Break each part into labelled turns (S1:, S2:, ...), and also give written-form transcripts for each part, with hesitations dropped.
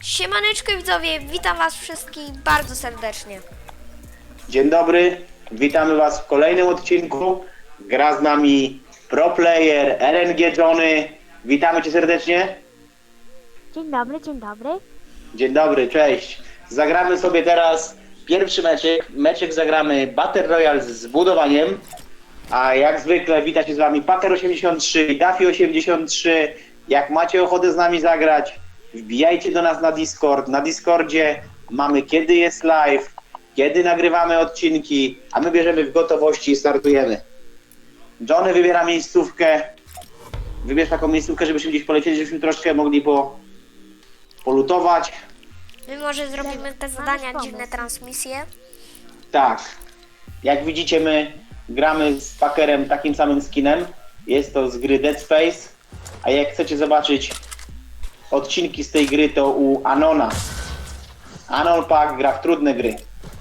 S1: Siemaneczko widzowie, witam was wszystkich bardzo serdecznie.
S2: Dzień dobry, witamy was w kolejnym odcinku. Gra z nami pro player RNG Johnny. Witamy cię serdecznie.
S3: Dzień dobry, dzień dobry.
S2: Dzień dobry, cześć. Zagramy sobie teraz pierwszy meczek. Meczek zagramy Battle Royale z budowaniem. A jak zwykle wita się z wami Packer83, Daffy83. Jak macie ochotę z nami zagrać, wbijajcie do nas na Discord. Na Discordzie mamy kiedy jest live, kiedy nagrywamy odcinki, a my bierzemy w gotowości i startujemy. Johnny wybiera miejscówkę. Wybierz taką miejscówkę, żebyśmy gdzieś polecieli, żebyśmy troszkę mogli polutować.
S1: My może zrobimy te zadania, dziwne transmisje.
S2: Tak. Jak widzicie, my gramy z Packerem takim samym skinem. Jest to z gry Dead Space. A jak chcecie zobaczyć odcinki z tej gry, to u Anona. Anon Pack gra w trudne gry.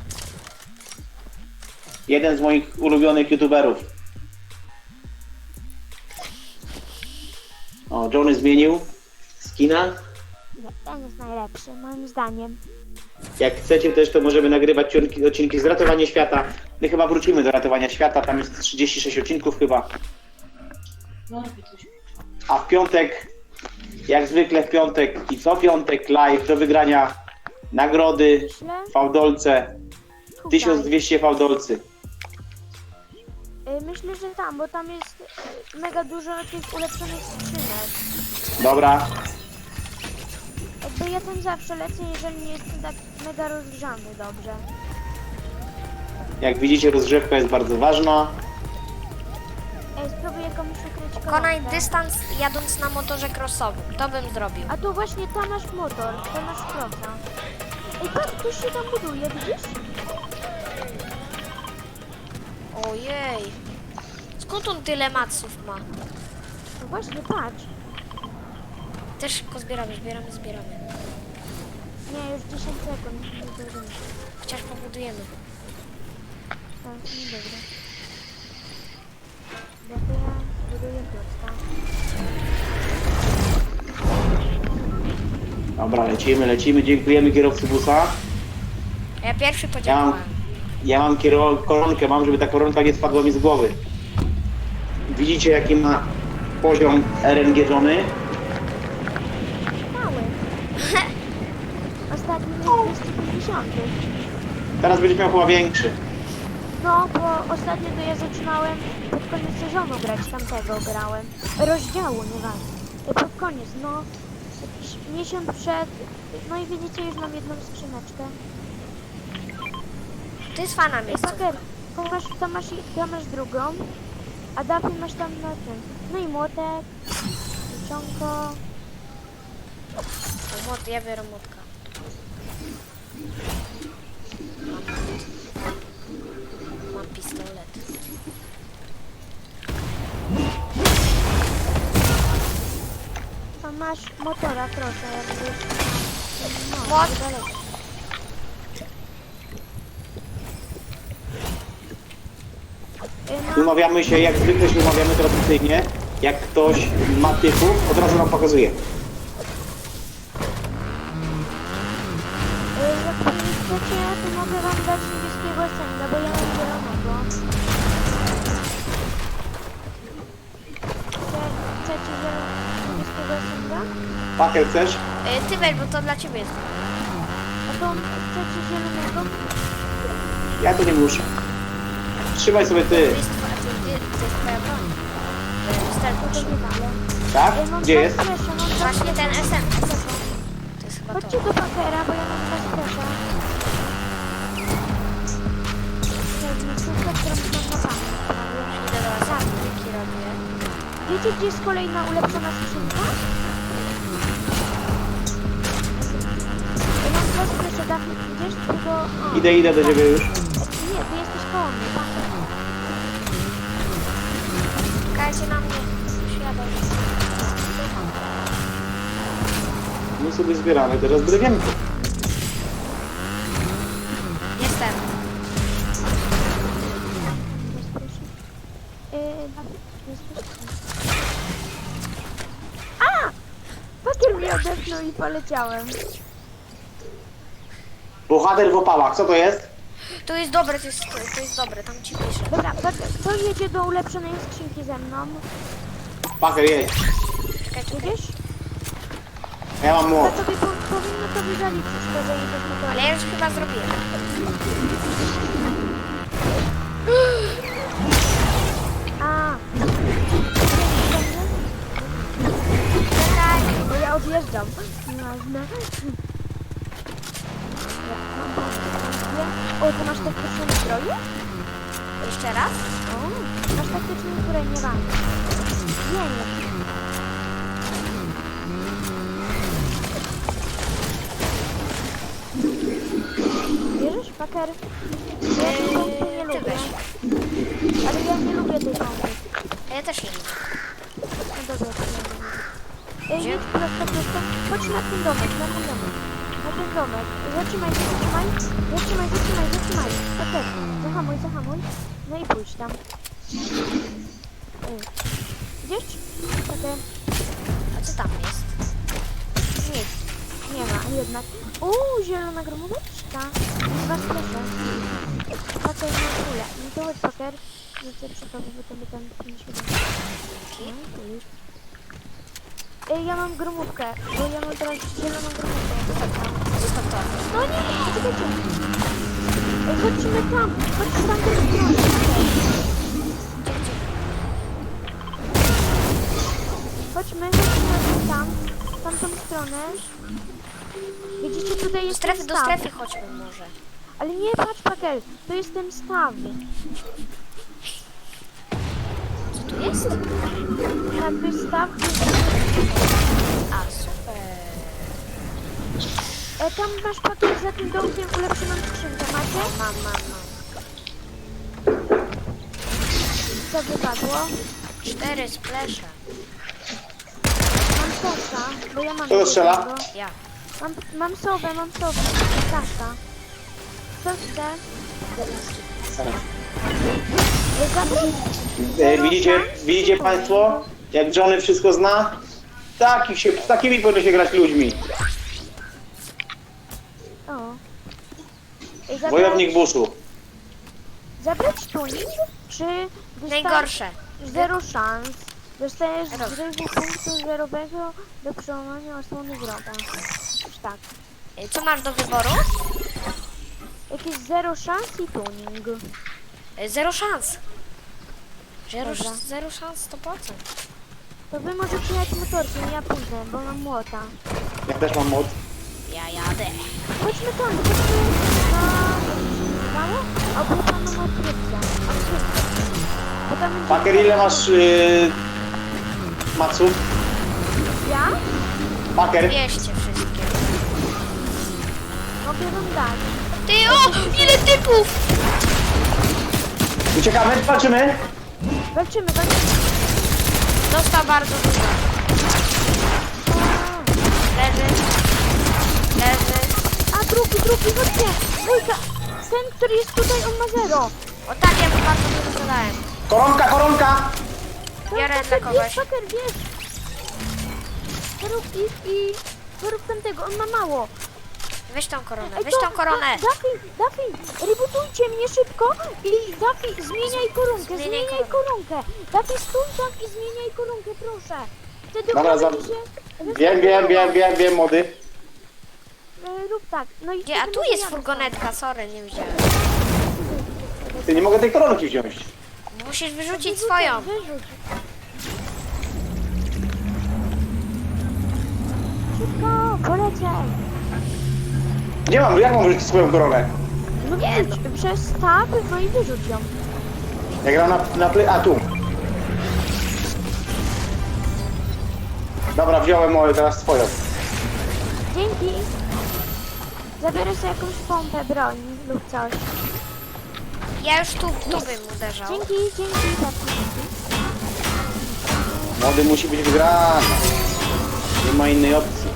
S2: Jeden z moich ulubionych youtuberów. O, Johnny zmienił skina.
S3: Ten jest najlepszy, moim zdaniem.
S2: Jak chcecie też, to możemy nagrywać odcinki z Ratowania Świata. My chyba wrócimy do Ratowania Świata, tam jest 36 odcinków chyba. A w piątek, jak zwykle w piątek i co piątek live do wygrania nagrody w fałdolce. 1200 fałdolcy.
S3: Myślę, że tam, bo tam jest mega dużo tych ulepszonych skrzynek.
S2: Dobra,
S3: Jakby ja tam zawsze lecę, jeżeli nie jestem tak mega rozgrzany dobrze.
S2: jak widzicie, rozgrzewka jest bardzo ważna.
S3: Spróbuję komuś ukryć
S1: Pokonaj
S3: koronkę.
S1: dystans jadąc na motorze crossowym. To bym zrobił.
S3: A tu właśnie tam masz motor, tam masz krosa. Ej, patrz, ktoś się tam buduje, widzisz?
S1: Ojej. Skąd on tyle maców ma?
S3: No właśnie, patrz.
S1: Też szybko zbieramy.
S3: Nie, już 10 sekund. Nie zdążymy.
S1: Chociaż pobudujemy.
S3: Tak, nie dobra. Ja buduję klocka.
S2: Dobra, lecimy. Dziękujemy kierowcy busa.
S1: Ja pierwszy podziałałem.
S2: Ja mam koronkę, żeby ta koronka nie spadła mi z głowy. Widzicie, jaki ma poziom RNG Johnny?
S3: Mały. Ostatni jest 250.
S2: Teraz będziesz miał chyba większy.
S3: No, bo ostatnio to ja zaczynałem pod koniec sezonu grać, tamtego grałem. Rozdziału, nieważne. Pod koniec, no. Jakiś miesiąc przed. No i widzicie, już mam jedną skrzyneczkę.
S1: To jest fana
S3: Ej,
S1: miejsca.
S3: Packer, tam masz drugą, a Daffy masz tam na tym. No i młotek, liczonko.
S1: Ja biorę młotka. Mam pistolet.
S3: Tam masz motora, proszę, jakby. No,
S1: Młot.
S3: niedaleko.
S2: Umawiamy się, jak zwykle się umawiamy tradycyjnie. Jak ktoś ma typów, od razu nam pokazuje.
S3: Jak chcecie, to mogę wam dać niebieskiego sędzia, bo ja mam zielonego. Chcecie niebieskiego sędzia?
S2: Pakiet chcesz?
S1: Ty weź, bo to dla ciebie jest.
S3: A to chcecie zielonego?
S2: Ja to nie muszę. Trzymaj sobie ty.
S1: To jest twoja broń.
S3: To
S1: Wystarczy.
S3: nie dalej.
S2: Tak? Gdzie jest?
S1: Właśnie ten SM. To jest chyba to.
S3: Chodźcie do Packera, bo ja mam was presza. Miejscówkę, którą mam na pamięć.
S1: Idę do was, jaki robię.
S3: Wiecie, gdzie jest kolejna ulepszona skrzynka? Ja mam was presza, Daffy, idziesz? Tylko... o.
S2: Idę do ciebie już.
S3: Nie, ty jesteś koło mnie, Packer.
S1: Czekajcie na mnie. Świadom.
S2: My sobie zbieramy teraz drewienko.
S1: Jestem.
S3: Daffy, jesteś... A! Packer mnie odepnął i poleciałem.
S2: Bohater w opałach, co to jest?
S1: To jest dobre, to jest dobre, tam ci piszę.
S3: Dobra, kto jedzie do ulepszonej skrzynki ze mną?
S2: Paker, jedź.
S1: Czekajcie,
S3: Jedziesz?
S2: Ja mam
S3: To
S2: młot.
S3: tobie powinno tobie zaliczyć to, że jedziesz motorem.
S1: ale ja już chyba zrobiłem.
S3: A,
S1: Czekaj.
S3: bo ja odjeżdżam. Nieważne. O, ty masz taktyczne zbroje?
S1: Jeszcze raz?
S3: O, masz taktyczne zbroje, nie mam. Nie. Bierzesz, Paker? Ja tej pompy nie
S1: Ty
S3: lubię.
S1: weź.
S3: Ale ja nie lubię tej pompy.
S1: A ja też nie lubię.
S3: No dobra, to ja nie lubię. Jedź prosto. Chodź na ten domek, na ten domek. Na ten domek. Zatrzymaj. Paker, zahamuj. No i pójdź tam. Idziesz? Paker.
S1: A co tam jest?
S3: Nic. Nie ma jednak. Zielona gromóweczka. Dwa splasze. Paker na kulę. No to chodź, Paker. Rzucę przy tobie, bo to by tam nie świetnie. No, tu jest. Ja mam gromówkę, bo ja mam teraz zieloną gromówkę.
S1: Zostaw to.
S3: No nie, czekajcie. Chodźmy tam do strony. Chodźmy tam, w tamtą stronę. Widzicie, tutaj jest ten
S1: Do
S3: staw.
S1: strefy chodźmy może.
S3: Ale nie, patrz, Pakel, to jest ten staw.
S1: Co tu jest?
S3: Tak, to jest staw.
S1: A, super.
S3: Tam masz, Pakel, za tym domkiem ulepszoną skrzynkę, macie?
S1: Mam.
S3: Co wypadło?
S1: 4 splesze.
S3: Mam sosa, bo ja mam...
S2: Kto strzela?
S3: jednego.
S1: Ja.
S3: Mam sowę, Sasza. Co chce?
S2: Widzicie państwo, jak Johnny wszystko zna? Z takimi powinno się grać ludźmi.
S3: O. Ej,
S2: Wojownik buszu.
S3: Zabrać tunik, czy...
S1: Najgorsze.
S3: Zero szans. Dostajesz
S1: Roz.
S3: zrywu punktu zerowego do przełamania osłony wroga. Już tak.
S1: Co masz do wyboru?
S3: Jakieś zero szans i tuning.
S1: Zero szans.
S3: Dobra.
S1: Zero szans 100%.
S3: To wy możecie jechać motorkiem, ja pójdę, bo mam młota.
S2: Ja też mam młot.
S1: Ja jadę.
S3: Chodźmy tam, chodźmy na... Mało? Albo tam mam odkrycia. Bo tam będzie...
S2: Paker, ile masz maców?
S3: Ja?
S2: Paker,
S1: 200 wszystkie.
S3: Mogę wam dać.
S1: Ty, o! Ile typów!
S2: uciekamy, walczymy.
S3: Walczymy.
S1: Dostał bardzo dużo. Leży.
S3: A drugi, chodźcie! Dwójka! Ten, który jest tutaj, on ma zero.
S1: O tak, ja mu bardzo dużo zadałem.
S2: Koronka!
S1: Biorę
S3: Paker,
S1: dla kogoś.
S3: Paker, bierz! Zrób ich i zrób tamtego, on ma mało.
S1: Weź tą koronę,
S3: Ej,
S1: weź tą koronę.
S3: Duffy, rebootujcie mnie szybko i Duffy, zmieniaj koronkę. Duffy, stój tam i zmieniaj koronkę, proszę. Wtedy
S2: Dobra,
S3: uda mi się...
S2: Wiem, młody.
S3: Rób tak. No i
S1: Gdzie? A
S3: wtedy
S1: tu
S3: może
S1: jest
S3: ja
S1: furgonetka, sorry, nie widziałem.
S2: Ty, nie mogę tej koronki wziąć.
S1: Musisz wyrzucić
S3: Wyrzucę,
S1: swoją.
S3: Wyrzuć. Szybko, poleciaj.
S2: Jak mam wyrzucić swoją koronę?
S3: No nie, przez tab, no i wyrzuć ją.
S2: Ja gram a tu. Dobra, wziąłem moją, teraz twoją.
S3: Dzięki. Zabiorę sobie jakąś pompę broni lub coś.
S1: Ja już tu bym uderzał.
S3: Dzięki, Duffy.
S2: Młody musi być wygrany. Nie ma innej opcji.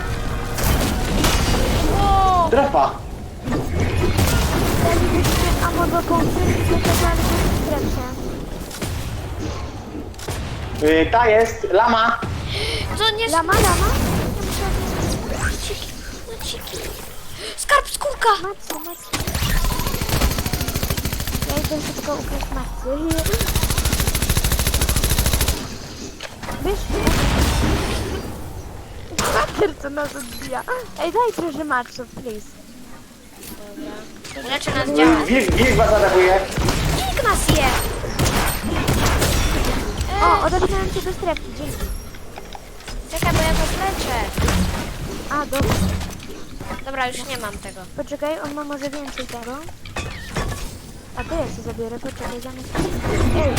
S1: O!
S2: Strefa.
S3: Dalibyśmy ammo do pompy i pokazali w strefie.
S2: Ta jest, lama.
S1: To nie...
S3: Lama? Ja muszę...
S1: Diamenciki. Skarb, skórka!
S3: Macy. Ja idę szybko ukraść macy. Wiesz? Paker co nas odbija. Ej, daj trochę maczów, please.
S1: Leczy nas działa.
S2: Wilk was atakuje.
S1: Nikt nas je!
S3: O, odepnąłem cię do strefki, dzięki.
S1: Czekaj, bo ja was leczę.
S3: A, dobra.
S1: Dobra, już nie mam tego.
S3: Poczekaj, on ma może więcej tego. A to ja się zabiorę, poczekaj, zamiast... Ej!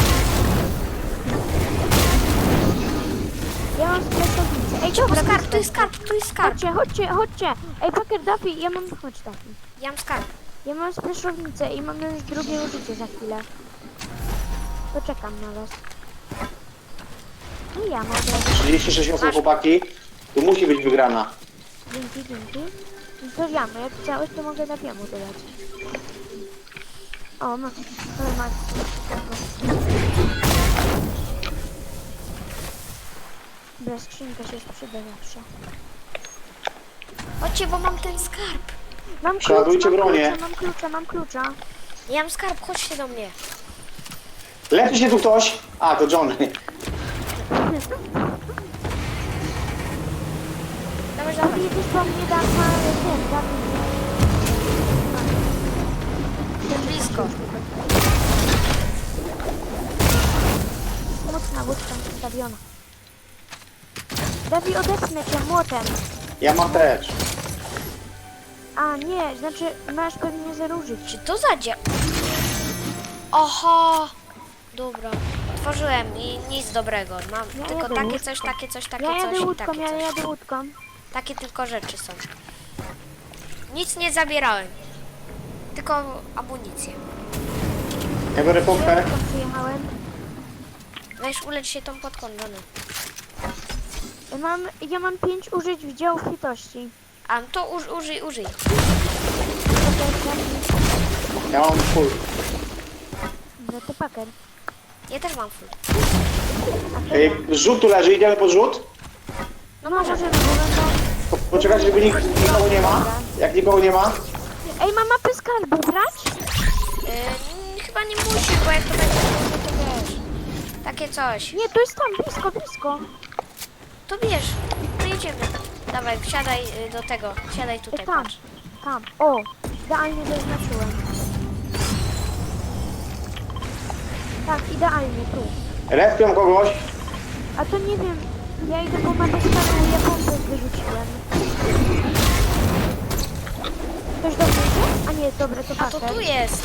S3: Ja mam stresownicę. Ej, dobra,
S1: Skarb, tu jest skarb, tu jest skarb.
S3: Chodźcie! Ej, Paker, Duffy, ja mam... Chodź, Duffy.
S1: Ja mam skarb.
S3: Ja mam spreszownicę i mam już drugie użycie za chwilę. Poczekam na was. I ja mogę.
S2: 36 osób, chłopaki. Tu musi być wygrana.
S3: Dzięki. No to wiemy, jak chciałeś, to mogę Duffy'emu dodać. O, ma... Dobra, skrzynka się przyda zawsze.
S1: Chodźcie, bo mam ten skarb.
S3: Mam
S2: Przeładujcie bronię.
S3: mam klucza.
S1: Ja mam skarb, chodźcie do mnie.
S2: Leczy się tu ktoś. A, to Johnny.
S1: Dawaj,
S3: Duffy,
S1: dawaj.
S3: jedziesz po mnie, dam na ten,
S1: Blisko.
S3: Mocna łódka ustawiona. Duffy, odepnę cię młotem.
S2: Ja mam też.
S3: A nie, znaczy masz pewnie zero użyć.
S1: Czy to zadzia... Oho! Dobra. Otworzyłem i nic dobrego. Mam
S3: Ja
S1: tylko
S3: jadę
S1: takie
S3: łódką.
S1: coś, takie coś, takie
S3: Ja jadę
S1: coś i
S3: łódką,
S1: takie
S3: ja
S1: coś.
S3: jadę łódką.
S1: Takie tylko rzeczy są. Nic nie zabierałem. Tylko amunicję.
S2: Ja biorę pompę.
S3: Łódką przyjechałem.
S1: Weź ulecz się tą podką, Johnny.
S3: Ja mam 5 użyć w dział litości.
S1: A to użyj.
S2: Ja mam full.
S3: No to Paker.
S1: Ja też mam full.
S3: A to
S2: Ej,
S3: ja.
S2: rzut tu leży, idziemy pod rzut?
S1: No
S3: No
S1: może.
S3: możemy, bo będą...
S2: Poczekajcie, żeby nikogo nie ma. Jak nikogo nie ma.
S3: Ej, mam mapę skarbu, brać?
S1: Chyba nie musisz, bo jak to będzie, to wiesz. Takie coś.
S3: Nie, to jest tam, blisko.
S1: To bierz. To jedziemy. Dawaj, wsiadaj do tego. Siadaj tutaj,
S3: Tam.
S1: patrz.
S3: Tam, o, idealnie zaznaczyłem. Tak, idealnie, tu.
S2: Respią kogoś.
S3: A to nie wiem, ja idę po mapę skarbu, ja pompę wyrzuciłem. Ktoś do mnie idzie? A nie, dobra, to
S1: A to
S3: Paker.
S1: tu jest.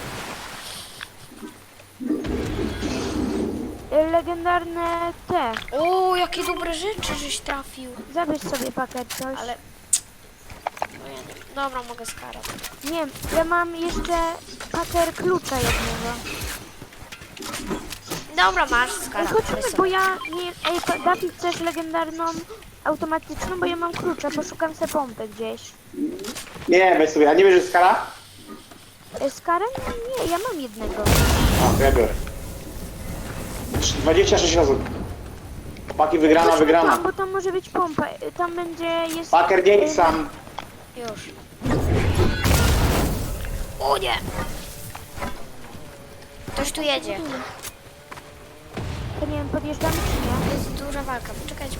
S3: Legendarne te.
S1: O, jakie dobre rzeczy żeś trafił.
S3: Zabierz sobie Paker coś.
S1: Ale... No ja nie... Dobra, mogę skarać.
S3: Nie, ja mam jeszcze Paker klucza jednego.
S1: Dobra, masz
S3: Ej,
S1: skarać.
S3: chodźmy, bo ja nie... Ej, David, chcesz legendarną automatyczną, bo ja mam klucza, poszukam se pompy gdzieś.
S2: Nie, weź sobie. A nie bierzesz skara?
S3: Z karem? Nie, ja mam jednego.
S2: A, to ja biorę. 26 osób. Chłopaki, wygrana.
S3: Tam, bo tam może być pompa. Tam będzie... jest...
S2: Paker, nie idź sam.
S1: Już. O nie! Ktoś tu jedzie.
S3: To nie wiem, podjeżdżamy czy nie?
S1: To jest duża walka. Poczekajcie.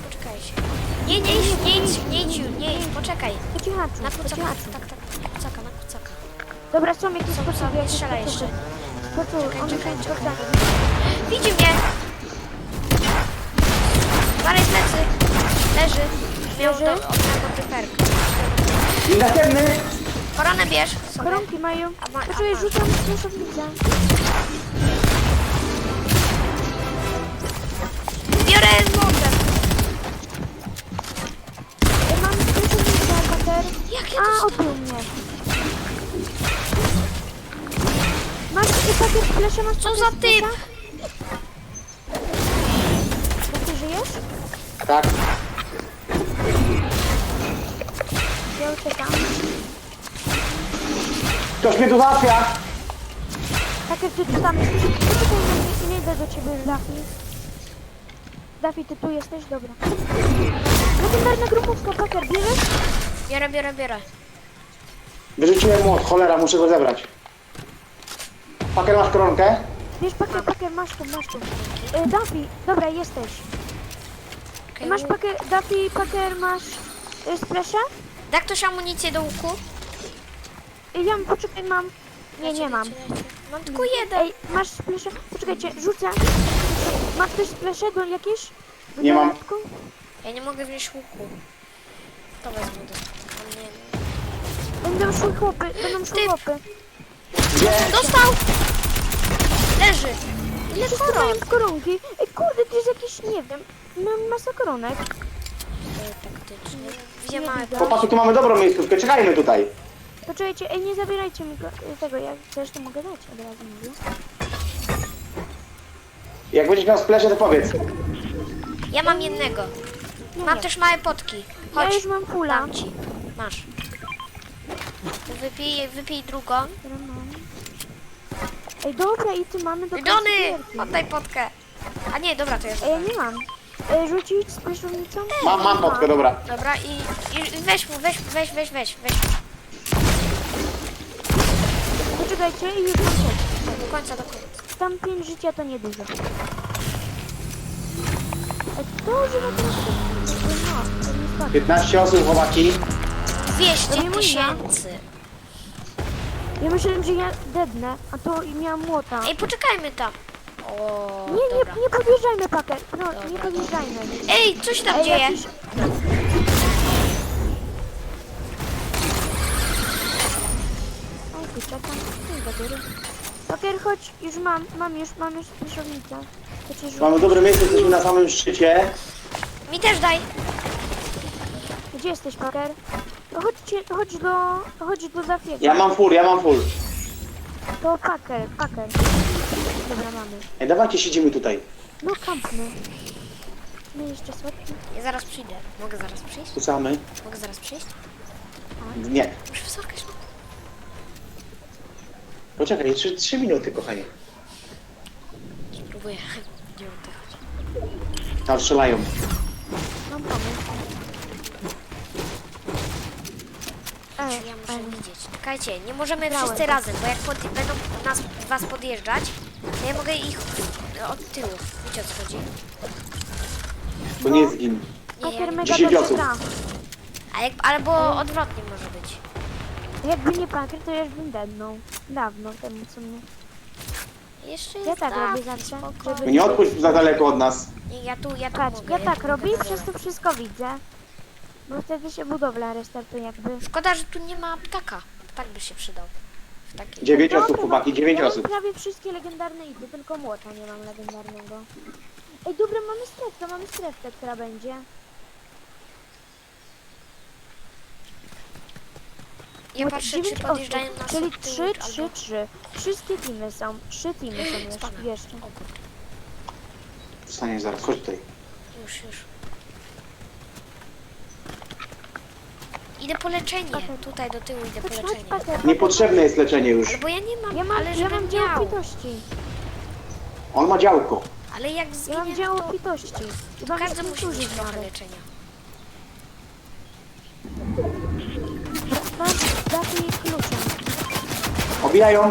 S1: Nie idź, poczekaj.
S3: Po cichaczu,
S1: Na
S3: po
S1: kucaka.
S3: cichaczu.
S1: Tak, na kucaka.
S3: Dobra, są jakieś sposoby,
S1: nie
S3: jakieś
S1: strzelaj
S3: sposoby.
S1: jeszcze.
S3: Sposoby, on
S1: Czekaj.
S3: spotkanie.
S1: Widzi mnie! Dalej plecy. Leży. Miał
S3: Leży?
S1: do odnego typerka.
S2: I następny.
S1: Koronę bierz sobie.
S3: Koronki mają.
S1: A
S3: Poczekaj,
S1: ma.
S3: rzucam stresownicę.
S1: Biorę z młotem.
S3: Mam stresownicę, Pater.
S1: Jak ja
S3: A,
S1: to...
S3: odbił mnie. Masz Pater flesze, masz
S1: Co
S3: Pater
S1: za typ?
S3: flesza? Jak ty żyjesz?
S2: Tak.
S3: Ja uciekam.
S2: Ktoś mnie tu załatwia.
S3: Pater, ty tu tam jesteś? Poczekaj na mnie i nie idę do ciebie, Dafi. Dafi, ty tu jesteś? Dobra. Legendarna grupówka, Pater, bierzesz?
S1: Biorę.
S2: Wyrzuciłem młot, cholera, muszę go zebrać. Paker, masz koronkę?
S3: Wiesz, pakier, masz tu. Duffy, dobra, jesteś.
S1: Okej,
S3: Masz pakier, Duffy, pakier, masz splasha?
S1: Da ktoś amunicję do łuku?
S3: Ja poczekaj, mam. Nie mam.
S1: Mam tylko jeden.
S3: Ej, masz splasha? Poczekajcie, rzucę. Ma ktoś splasha do jakieś? Do
S2: Nie mam.
S3: dodatku?
S1: Ja nie mogę wziąć łuku. To wezmę do... a nie.
S3: Będą szły chłopy.
S2: Gdzie?
S1: Dostał! Leży! Ile
S3: Wszyscy
S1: koron?
S3: mają koronki. Ej, kurde, to jest jakiś, nie wiem. Mam masa koronek.
S1: Taktyczny. Gdzie ma...
S2: Chłopaki, tu mamy dobrą miejscówkę, czekajmy tutaj.
S3: Poczekajcie, ej, nie zabierajcie mi tego, jak chcesz, to mogę dać, od razu mówię.
S2: Jak będziesz miał splesze, to powiedz.
S1: Ja mam jednego.
S3: No
S1: Mam
S3: nie.
S1: też małe potki.
S3: Ja
S1: Chodź,
S3: już mam fulla.
S1: dam ci. Masz. To wypij drugą.
S3: Dobra, mam. Ej, dobra, i ty mamy do końca
S1: Johnny!
S3: gierki.
S1: Oddaj potkę. A nie, dobra, to jest.
S3: Ej, ja nie mam. Rzucić z prysznicą?
S2: Mam potkę, dobra.
S1: Dobra, i weź mu, weź.
S3: Poczekajcie i już mam coś.
S1: Do końca.
S3: Tam 5 życia to niedużo. Ej, to żywe to to nie spadło.
S2: 15 osób, chłopaki.
S1: 200
S3: To nie mój,
S1: tysięcy.
S3: Ja myślałem, że ja dednę, a to i miałam młota.
S1: Ej, poczekajmy tam. O, dobra.
S3: Nie podjeżdżajmy, pakier. No, nie
S1: Dobra.
S3: podjeżdżajmy.
S1: Ej, co się tam
S3: Ej,
S1: dzieje?
S3: jakiś... O, kurczaka. Nie do góry. Pakier, chodź. Już mam już pryszownicę.
S2: Mamy dobre miejsce, jesteśmy na samym szczycie.
S1: Mi też daj.
S3: Gdzie jesteś, pakier? No chodź do Zafiego.
S2: Ja mam full.
S3: To pakier. Dobra, mamy.
S2: Ej, dawajcie, siedzimy tutaj.
S3: No, kampmy. My jeszcze słodki.
S1: Ja zaraz przyjdę. Mogę zaraz przyjść?
S2: Kucamy.
S1: Mogę zaraz przyjść?
S2: Nie.
S1: Muszę wysokać.
S2: Poczekaj, 3 minuty, kochanie.
S1: Spróbuję. Nie oddychać.
S2: Tam strzelają.
S3: Mam pomysł.
S1: Ja muszę widzieć. Czekajcie, nie możemy
S3: Grałem
S1: wszyscy
S3: to.
S1: razem, bo jak będą was podjeżdżać, to ja mogę ich od tyłu. Wiecie o co chodzi?
S2: To nie zgin.
S1: Nie,
S3: Pakier
S1: ja,
S3: mega
S2: 10
S3: dobrze
S2: osób.
S3: gra.
S1: albo odwrotnie może być.
S3: Jakby nie pakier, to ja już bym dednął. Dawno temu, co mnie.
S1: Jeszcze
S3: Ja
S1: jest
S3: tak robię
S1: taki
S3: zawsze,
S1: spokojny.
S3: żeby-
S2: Nie odpuść za daleko od nas.
S1: Nie, ja tu
S3: Patrz,
S1: mogę.
S3: ja tak
S1: tu
S3: robię
S1: mogę
S3: i przez
S1: dobra.
S3: to wszystko widzę. Bo wtedy się budowla restartuje jakby.
S1: Szkoda, że tu nie ma ptaka. Ptak by się przydał. W takiej...
S2: 9 osób,
S3: Dobra,
S2: chłopaki, 9
S3: ja mam
S2: osób.
S3: prawie wszystkie legendarne ity, tylko młota nie mam legendarnego. Ej, dobra, mamy strefkę, która będzie.
S1: Ja
S3: Bo
S1: patrzę,
S3: 9
S1: czy podjeżdżają
S3: osób,
S1: nas
S3: czyli
S1: od tyłu,
S3: 3,
S1: albo...
S3: 3, 3. Wszystkie teamy są. 3 teamy są
S1: Spadam.
S3: jeszcze.
S1: O kurde,
S2: Zostaniesz zaraz, chodź tutaj.
S1: już. Idę po leczenie.
S3: Okej.
S1: Tutaj do tyłu idę po
S3: Chodź,
S1: leczenie.
S3: pakier.
S2: Niepotrzebne jest leczenie już.
S1: Ale bo ja nie mam,
S3: Ja mam,
S1: ale
S3: ja
S1: żebym
S3: mam dział
S1: miał.
S3: pitości.
S2: On ma działko.
S1: Ale jak
S3: Ja
S1: zginie,
S3: mam dział
S1: to
S3: pitości. Chyba
S1: każdy
S3: mnie
S1: musi mieć
S3: użyć
S1: trochę
S3: nawet.
S1: leczenia.
S3: Mam daki kluczem.
S2: Obijają.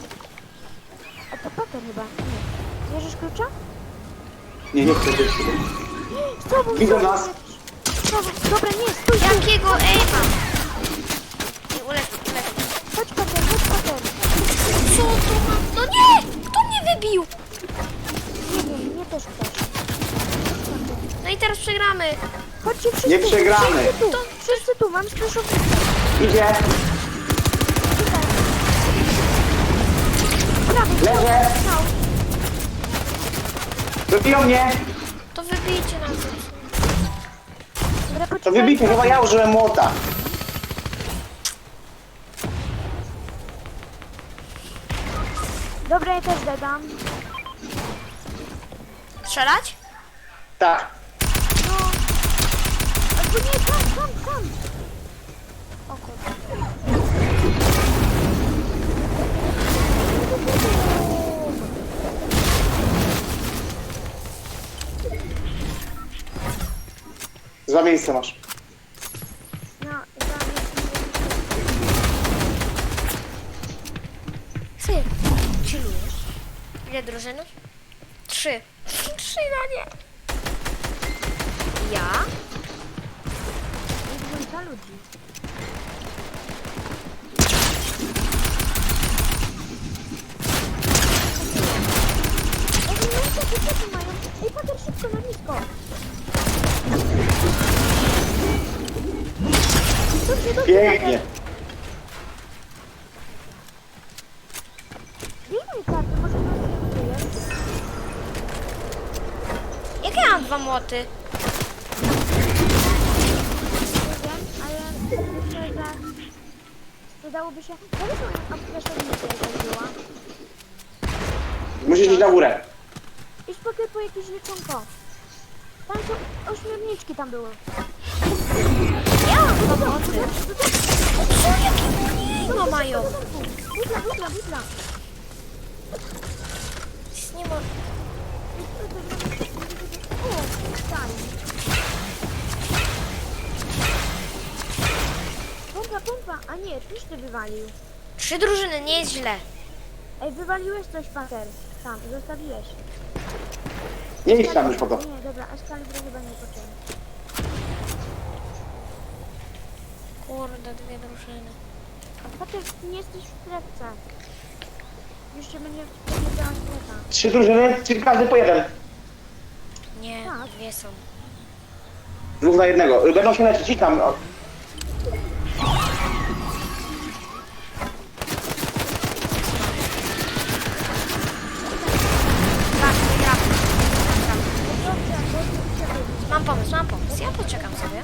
S3: A to pakier chyba. Nie. Bierzesz klucza?
S2: Nie chcę być.
S3: Z tobą,
S2: Widzą
S3: z tobą
S2: nas.
S3: jakiś. Z tobą. Dobra, nie, stój, stój.
S1: Jakiego aima? Nie, ulecz mnie.
S3: Chodź pakier.
S1: Co to mam? No nie! Kto mnie wybił?
S3: Nie wiem, mnie też ktoś.
S1: No i teraz przegramy.
S3: Chodźcie wszyscy.
S2: Nie przegramy.
S3: Wszyscy tu, mam spleszownicę.
S2: Idzie.
S3: Prawie.
S2: Leżę.
S3: No.
S2: Dobiją mnie.
S1: To wybijcie nas.
S3: Dobra,
S2: To
S3: poczekaj.
S2: wybijcie, chyba ja użyłem młota.
S3: Dobra, ja też dodam.
S1: Strzelać?
S2: Tak.
S3: No. Albo nie, tam.
S1: O kurde.
S2: Dwa miejsca masz.
S3: No, za
S1: Ile drużyn? 3. 3 na nie. Ja?
S3: I dwójka ludzi. Ej, no jakie typy mają? Ej, Pater, szybko na nisko. Dobrze, dobrze,
S2: Pięknie.
S3: Bijmy karty, może nas nie buduje.
S1: Jak ja mam 2 młoty?
S3: Nie wiem, ale myślę, że przydałoby się... Ja bym aplikację zrobiła.
S2: Musisz iść na górę.
S3: I spokój po jakieś leczonko. Tam są ośmiorniczki tam były.
S1: Ja mam 2 młoty. Co, jakie mniej mają?
S3: Butla, butla, butla.
S1: Nic nie ma.
S3: O, daj. Pompa, pompa. A nie, tuż ty wywalił.
S1: 3 drużyny, nie jest źle.
S3: Ej, wywaliłeś coś, Pater. Tam, zostawiłeś.
S2: Nie idź tam już po to.
S3: Nie, dobra, Excalibur chyba nie poczęli.
S1: Kurde, 2 drużyny.
S3: Pater, ty nie jesteś w strefce. Już się będzie powiedziała strefa.
S2: 3 drużyny, czyli każdy po jeden.
S1: Nie,
S3: Tak.
S1: 2 są.
S2: 2 na 1. Będą się leczyć, idź tam. O.
S1: Tak, wygramy.
S3: Dobrze, bo ty się
S1: Mam pomysł, mam pomysł. Ja poczekam sobie.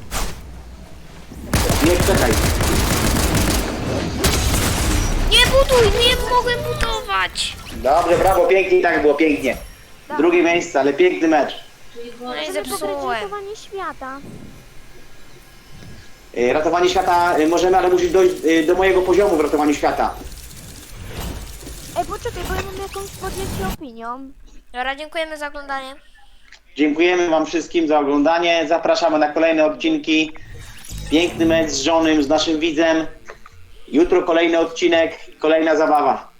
S2: Nie, czekaj.
S1: Nie buduj, nie mogę budować.
S2: Dobrze, brawo, pięknie i tak było, pięknie. Drugie miejsce, ale piękny mecz.
S1: No i
S3: Chcemy pograć
S1: zepsułem.
S3: ratowanie świata.
S2: Ratowanie świata możemy, ale musisz dojść do mojego poziomu w ratowaniu świata.
S3: Ej, poczekaj, bo ja mam jakąś podjęcie opinią.
S1: Dobra, dziękujemy za oglądanie.
S2: Dziękujemy wam wszystkim za oglądanie. Zapraszamy na kolejne odcinki. Piękny mecz z żonym, z naszym widzem. Jutro kolejny odcinek, kolejna zabawa.